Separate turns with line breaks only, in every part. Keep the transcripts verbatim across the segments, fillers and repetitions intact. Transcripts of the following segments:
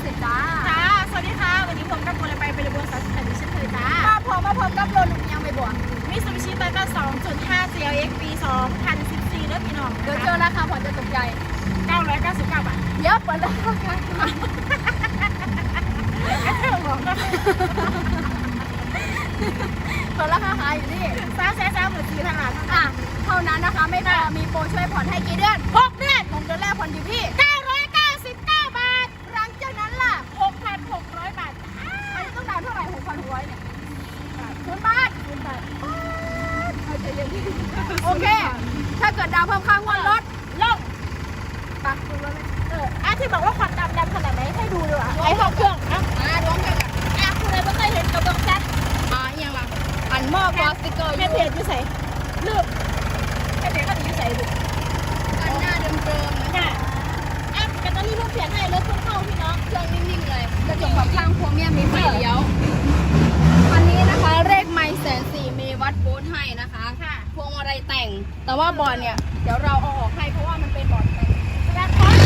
สิบจ้า
จ้าสวัสดีค่ะวันนี้ผมกับคนละไปเป็นบัวสาวสุพรรณเช่นเคยจ้า
มาพร้อมมาพร้อมกับโลลุงยังไปบวก
มิซูบิชิโตโยต้า สองจุดห้า ซี แอล เอ็กซ์ ปี สองพันสิบสี่เลือดพี่น้อง
เดี๋ยวเจอราคาผ่อนจะตกใจ
เก้าร้อยเก้าสิบเก้าบาท
เดี๋ยวเปิดราคากันเปิดราคาขายอยู่ที่
สามแสนสามหมื่นสี่พันบาท
อ่ะเท่านั้นนะคะไม่พอมีโปรช่วยผ่อนให้กี่เดือน
หกเดือน
หกเดือนแรกผ่อนอยู่ที่
เก้าร้อยเก้าสิบเก้าบาท
หลังจากนั้นล่ะ
หกพันหกร้อยบาท
อันนี้ต้องดาวเท่าไหร่หกพันหกร้อยเนี่ยศูนย์บาทศูนย์บาทเอาใจเย็นโอเคถ้าเกิดดาวเพิ่มค่างวดรถ
ลง
ปักคุณรถเลย
เอออ่ะที่บอกว่าควันดำดำขนาดไหนให้ดูดีกว่าไอ้ห้องเครื่องอ่ะ
อ่าดวงกัน
อ่ะคุณเลยไม่เคยเห็นกระบอกแซด
อ่าอย่างละอันมอกวอสติกเกอร์
แม่เพจอยู่ใส่ลืมแม่เพจก็อยู่ใส่ดู
อันหน้าเดิมๆนะ
ค่ะอ่ะแต่ตอนนี้เพิ่งเปลี่ยนให้รถเพิ่งเข้าพี่น้อง
เครื่องนิ่งๆเลยกระจกแบบข้างโครเมียมมีไฟเลี้ยวอันนี้นะคะเลขไมล์แสนสี่มีวัดโบสให้นะคะพวงมาลัยแต่งแต่ว่าบอร์ดเนี่ยเดี๋ยวเราเอาออกให้เพราะว่ามันเป็นบอร์ดแต่ง
และคอน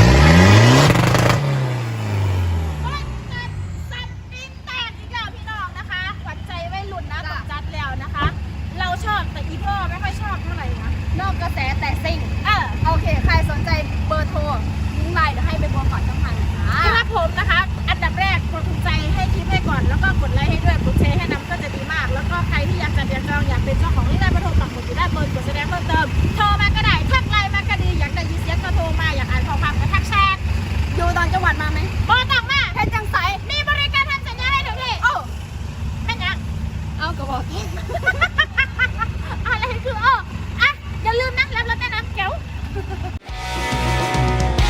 สับปิ้งแตกอีกแล้วพี่น้องนะคะขวัญใจไว้หลุดนะตกจัดแล้วนะคะ เราชอบแต่อีพ่อไม่ค่อยชอบเท่าไหร่นะ
นอกกระแสแต่ซิ่ง
เออ
โอเคใครสนใจเบอร์โทรลิงก์ไลน์เดี๋ยวให้ไปบวกก่อนช่องทางนะคะ
ครับผมนะคะอันดับแรกกดถูกใจให้คลิปให้ก่อนแล้วก็กดไลค์ให้ด้วยกดแชร์ให้นำก็จะดีมากแล้วก็ใครที่อยากจะเรียนจองอยากเป็นเจ้าของลิงก์ไลน์มาโทรปักหมุดอยู่ด้านบนกดแสดงเพิ่มเติมโทรมาก็ได้ทักไลน์มาก็ดีอยากได้ยินเสียงก็โทรมาอยากอ่านข้อความก็ทักแชท
อยู่ตอนจังหวัดมาไหม
บอตังมา
เพชรจังใส
มีบริการทำสัญญาให้ถึงที่โอ้แม่ยัง
เอากระบอก
อะไรคือโอ้